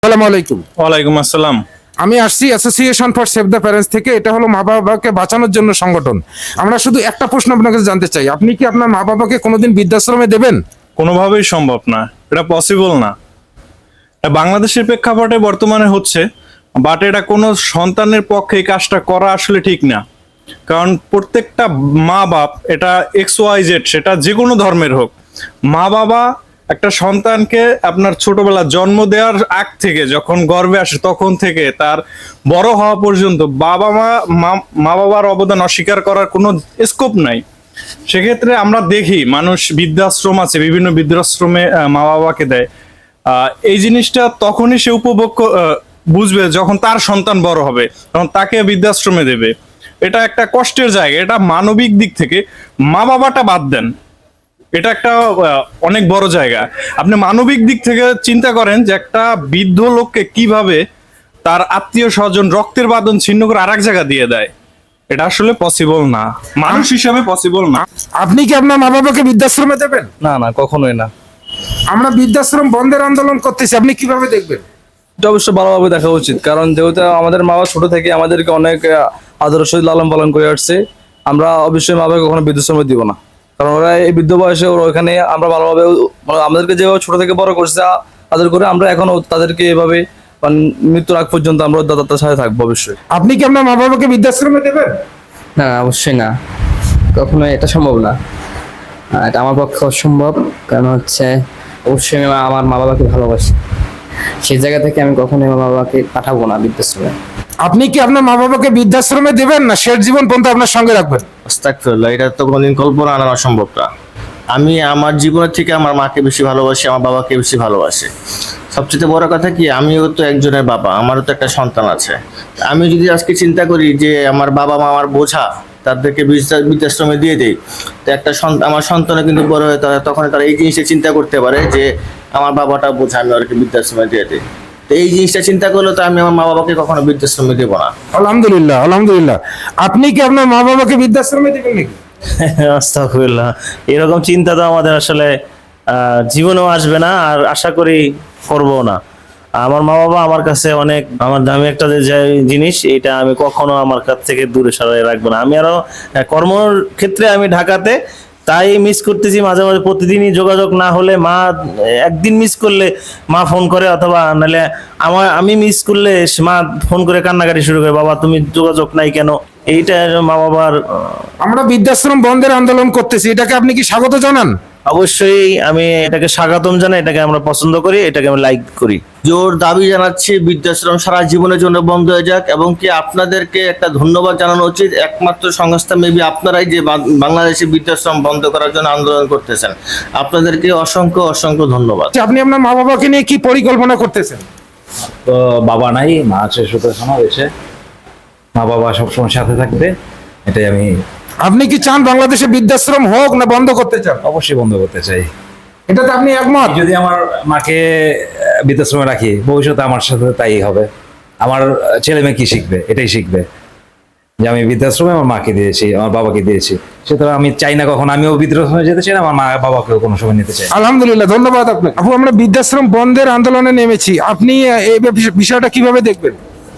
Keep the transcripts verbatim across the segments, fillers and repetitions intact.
আসসালামু আলাইকুম। ওয়ালাইকুম আসসালাম। আমি আসছি association for save the parents থেকে। এটা হলো মা বাবাকে বাঁচানোর জন্য সংগঠন। আমরা শুধু একটা প্রশ্ন আপনার কাছে জানতে চাই, আপনি কি আপনার মা বাবাকে কোনোদিন বৃদ্ধাশ্রমে দেবেন? কোনোভাবেই সম্ভব না, এটা পসিবল না। এটা বাংলাদেশের প্রেক্ষাপটে বর্তমানে হচ্ছে, বাট এটা কোনো সন্তানের পক্ষে এই কাজটা করা আসলে ঠিক না। কারণ প্রত্যেকটা মা বাপ, এটা এক্স ওয়াই জেড, সেটা যে কোনো ধর্মের হোক, মা বাবা একটা সন্তানকে আপনার ছোটবেলা জন্ম দেওয়ার আগ থেকে যখন গর্ভে আসে তখন থেকে তার বড় হওয়া পর্যন্ত বাবা মা মা বাবার অবদান অস্বীকার করার কোনো স্কোপ নাই। সেক্ষেত্রে আমরা দেখি মানুষ বৃদ্ধাশ্রম আছে, বিভিন্ন বৃদ্ধাশ্রমে মা বাবাকে দেয়। আহ এই জিনিসটা তখনই সে উপভোগ বুঝবে যখন তার সন্তান বড় হবে, তখন তাকে বৃদ্ধাশ্রমে দেবে। এটা একটা কষ্টের জায়গা। এটা মানবিক দিক থেকে মা বাবাটা বাদ দেন, এটা একটা অনেক বড় জায়গা। আপনি মানবিক দিক থেকে চিন্তা করেন যে একটা বৃদ্ধ লোককে কিভাবে তার আত্মীয় স্বজন রক্তের বাঁধন ছিন্ন করে আরেক জায়গা দিয়ে দেয়। এটা আসলে পসিবল না, মানুষ হিসাবে পসিবল না। আপনি কি আপনার মা বাবাকে বৃদ্ধাশ্রমে দেবেন? না না, কখনোই না। আমরা বৃদ্ধাশ্রম বন্ধের আন্দোলন করতেছি, আপনি কিভাবে দেখবেন? এটা অবশ্যই ভালোভাবে দেখা উচিত, কারণ যেহেতু আমাদের মা বাবা ছোট থেকে আমাদেরকে অনেক আদর্শ লালন পালন করে আসছে। আমরা অবশ্যই মা বাবাকে কখনো বৃদ্ধাশ্রমে দিব না, কারণ ওরা এই বৃদ্ধ বয়সে ওরা ওখানে আমরা ভালোভাবে আমাদেরকে যেভাবে ছোট থেকে বড় করছে আদর করে, আমরা এখনো তাদেরকে এভাবে মৃত্যুর আগ পর্যন্ত আমরা তাদের সাথে থাকবো অবশ্যই। আপনি কি আপনার মা বাবাকে বৃদ্ধাশ্রমে দেবেন? না, অবশ্যই না, কখনো এটা সম্ভব না। এটা আমার পক্ষে অসম্ভব, কারণ হচ্ছে অবশ্যই আমি আমার মা বাবাকে ভালোবাসি। সেই জায়গা থেকে আমি কখনোই আমার মা বাবাকে পাঠাবো না বৃদ্ধাশ্রমে। আপনি কি আপনার মা বাবাকে বৃদ্ধাশ্রমে দেবেন না শেষ জীবন পর্যন্ত আপনার সঙ্গে রাখবেন? আস্তাগফিরুল্লাহ, এটা তো কোনোদিন কল্পনা আনা অসম্ভব না। আমি আমার জীবনের থেকে আমার মাকে বেশি ভালোবাসি, আমার বাবাকে বেশি ভালোবাসি। সবচেয়ে বড় কথা কি, আমিও তো একজনের বাবা, আমারও তো একটা সন্তান আছে। আমি যদি আজকে চিন্তা করি যে আমার বাবা মা আমার বোঝা, তাদেরকে বৃদ্ধাশ্রমে দিয়ে দেই, তো একটা আমার সন্তানও কিন্তু বড় হয়ে তারা তখন তারা এই জিনিসটা চিন্তা করতে পারে যে আমার বাবাটা বোঝা, আমি ওদেরকে বৃদ্ধাশ্রমে দিয়ে দিই। তো এই জিনিসটা চিন্তা করলে তো আমি আমার মা বাবাকে কখনো বৃদ্ধাশ্রমে দেবো না। আলহামদুলিল্লাহ, আলহামদুলিল্লাহ। আপনি কি আপনার মা বাবাকে বৃদ্ধাশ্রমে দেবেন নাকি? আস্তাগফিরুল্লাহ, এরকম চিন্তা তো আমাদের আসলে জীবনেও আসবে না, আর আশা করি করবো না। আমার মা বাবা আমার কাছে অনেক আমার দামি একটা জিনিস, এটা আমি কখনো আমার কাছ থেকে দূরে সরাই রাখবো না। আমি আরো কর্মর ক্ষেত্রে আমি ঢাকাতে, তাই মিস করতেছি মাঝে মাঝে। প্রতিদিনই যোগাযোগ না হলে, মা একদিন মিস করলে মা ফোন করে, অথবা নাহলে আমার আমি মিস করলে মা ফোন করে কান্নাকাটি শুরু করে, বাবা তুমি যোগাযোগ নাই কেন। এইটা মা বাবার। আমরা বৃদ্ধাশ্রম বন্ধের আন্দোলন করতেছি, এটাকে আপনি কি স্বাগত জানান? অবশ্যই আমি এটাকে স্বাগতম জানাই, এটাকে আমরা পছন্দ করি, এটাকে আমি লাইক করি। জোর দাবি জানাচ্ছি বৃদ্ধাশ্রম সারা জীবনের জন্য বন্ধ হয়ে যাক, এবং কি আপনাদেরকে একটা ধন্যবাদ জানানো উচিত। একমাত্র সংস্থা মেবি আপনারাই যে বাংলাদেশে বৃদ্ধাশ্রম বন্ধ করার জন্য আন্দোলন করতেছেন, আপনাদেরকে অসংখ্য অসংখ্য ধন্যবাদ। আপনি আপনার মা বাবাকে নিয়ে কি পরিকল্পনা করতেছেন? তো বাবা নাই, মা আছে সুতরাং এসে মা বাবা সবসময় সাথে থাকবে, এটাই আমি। আপনি কি চান বাংলাদেশে বৃদ্ধাশ্রম হোক না বন্ধ করতে চান? অবশ্যই বন্ধ করতে চাই। এটাতে আপনি একমত? যদি আমার মাকে বৃদ্ধাশ্রমে রাখি, ভবিষ্যতে আমার সাথে তাই হবে। আমার ছেলে মেয়ে কি শিখবে? এটাই শিখবে যে আমি বৃদ্ধাশ্রমে আমার মাকে দিয়েছি, আমার বাবাকে দিয়েছি। সুতরাং আমি চাই না কখন আমিও বৃদ্ধাশ্রমে যেতে চাই না, আমার মা বাবাকেও কোনো সময় নিতে চাই। আলহামদুলিল্লাহ, ধন্যবাদ আপনাকে। আপু, আমরা বৃদ্ধাশ্রম বন্ধের আন্দোলনে নেমেছি, আপনি এই বিষয়টা কিভাবে দেখবেন?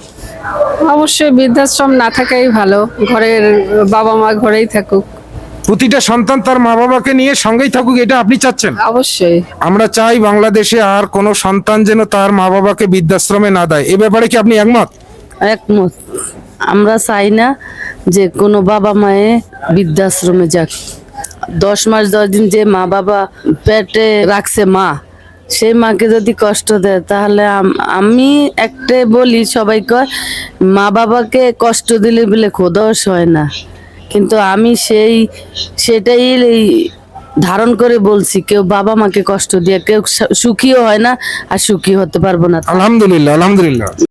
অবশ্যই বৃদ্ধাশ্রম না থাকাই ভালো, ঘরের বাবা মা ঘরেই থাকুক, প্রতিটা সন্তান তার মা বাবাকে নিয়ে সঙ্গেই থাকুক, এটা আপনি চাচ্ছেন? অবশ্যই। আমরা চাই বাংলাদেশে আর কোনো সন্তান যেন তার মা বাবাকে বৃদ্ধাশ্রমে না দেয়। এ ব্যাপারে কি আপনি একমত? একমত। আমরা চাই না যে কোনো বাবা মায়ে বৃদ্ধাশ্রমে যাক। দশ মাস দশ দিন যে মা বাবা পেটে রাখছে মা, সেই মাকে যদি কষ্ট দেয়, তাহলে আমি একটা বলি, সবাই কয় মা বাবাকে কষ্ট দিলে বলে খোদাও হয় না, কিন্তু আমি সেই সেটাই ধারণ করে বলছি, কেউ বাবা মাকে কষ্ট দিয়ে কেউ সুখীও হয় না, আর সুখী হতে পারবো না। আলহামদুলিল্লাহ, আলহামদুলিল্লাহ।